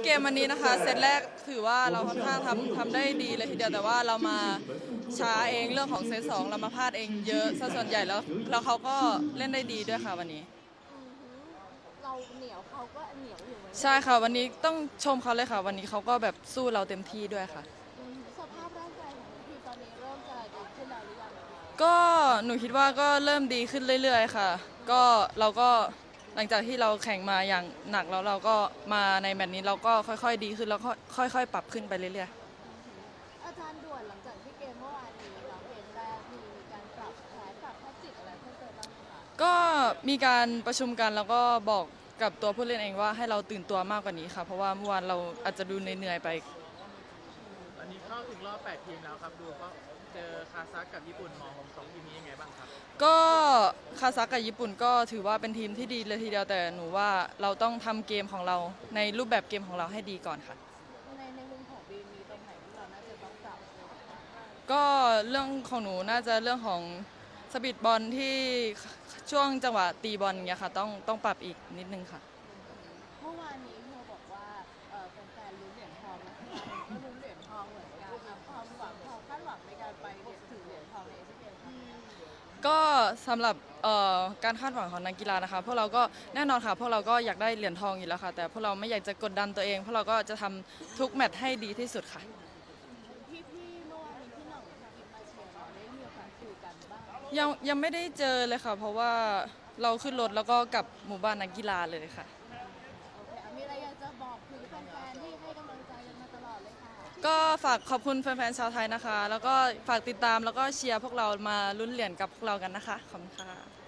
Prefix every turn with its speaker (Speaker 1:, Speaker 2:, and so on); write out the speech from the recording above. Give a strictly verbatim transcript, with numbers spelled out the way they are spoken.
Speaker 1: เกมวันนี้นะคะเซตแรกถือว่าเราค่อนข้างทำทำได้ดีเลยทีเดียวแต่ว่าเรามาช้าเองเรื่องของเซตสองเรามาพลาดเองเยอะซะส่วนใหญ่แล้วแล้วเขาก็เล่นได้ดีด้วยค่ะวันนี้
Speaker 2: เราเหนียวเขาก็เหนียวอยู่เหมือนกัน
Speaker 1: ใช่ค่ะวันนี้ต้องชมเขาเลยค่ะวันนี้เขาก็แบบสู้เราเต็มที่ด้วยค่ะ
Speaker 2: สภาพร่างกายของทีมตอนนี้เริ่มจะดีขึ้นแล้วหรือยังคะ
Speaker 1: ก็หนูคิดว่าก็เริ่มดีขึ้นเรื่อยๆค่ะก็เราก็หลังจากที่เราแข่งมาอย่างหนักแล้วเราก็มาในแมตช์นี้เราก็ค่อยๆดีขึ้นแล้วก็ค่อยๆปรับขึ้นไปเรื่อยๆ
Speaker 2: อาจารย์ด่วนหลังจากที่เกมเมื่อวานนี้เราเกมแรกมีการปรับแผนปรับแทคติกอะไรเพิ่มเติมบ้างไหมคะ
Speaker 1: ก็มีการประชุมกันแล้วก็บอกกับตัวผู้เล่นเองว่าให้เราตื่นตัวมากกว่านี้ค่ะเพราะว่าเมื่อวานเราอาจจะดูเหนื่อยๆไป
Speaker 3: อันนี้เข้าถึงรอบแปดทีมแล้วครับดูก็เจอคาซัคกับญี่ปุ่นมองของสองทีมนี้ยังไงบ้างครับ
Speaker 1: ก็คาซัคกับญี่ปุ่นก็ถือว่าเป็นทีมที่ดีเลยทีเดียวแต่หนูว่าเราต้องทำเกมของเราในรูปแบบเกมของเราให้ดีก่อนค่ะ
Speaker 2: ในในมุมของบีมีตรงไหนที่เราน่าจะต้องปรับ
Speaker 1: ก็เรื่องของหนูน่าจะเรื่องของสปีดบอลที่ช่วงจังหวะตีบอลเงี้ยค่ะต้องต้องปรับอีกนิดนึงค่ะ
Speaker 2: เมื่อวานนี้เธอบอกว่าเออแฟนๆลุ้นเหรียญทองนะคะก็ลุ้นเหรียญทองเหมือนกันนะความหวังความคาดหวังในการไปถึงเหรียญทองในเอเชียนเกมค่ะ
Speaker 1: ก็สำหรับการคาดหวังของนักกีฬานะคะพวกเราก็แน่นอนค่ะพวกเราก็อยากได้เหรียญทองอยู่แล้วค่ะแต่พวกเราไม่อยากจะกดดันตัวเองพวกเราก็จะทำทุกแมตช์ให้ดีที่สุดค่ะ
Speaker 2: พี่พี่เมื่อวานนี้พี่หน่องกับทีมมาเชียร์เราได้มีโอกาสคุยกันบ้าง
Speaker 1: ยังยังไม่ได้เจอเลยค่ะเพราะว่าเราขึ้นรถแล้วก็กลับหมู่บ้านนักกีฬาเลยค่ะ
Speaker 2: โอเคมีอะไรอยากจะบอกถึงแฟนๆที่ให้กำลังใจกันมาตลอดเลยค่ะ
Speaker 1: ก็ฝากขอบคุณแฟนๆชาวไทยนะคะแล้วก็ฝากติดตามแล้วก็เชียร์พวกเรามาลุ้นเหรียญกับพวกเรากันนะคะขอบคุณค่ะ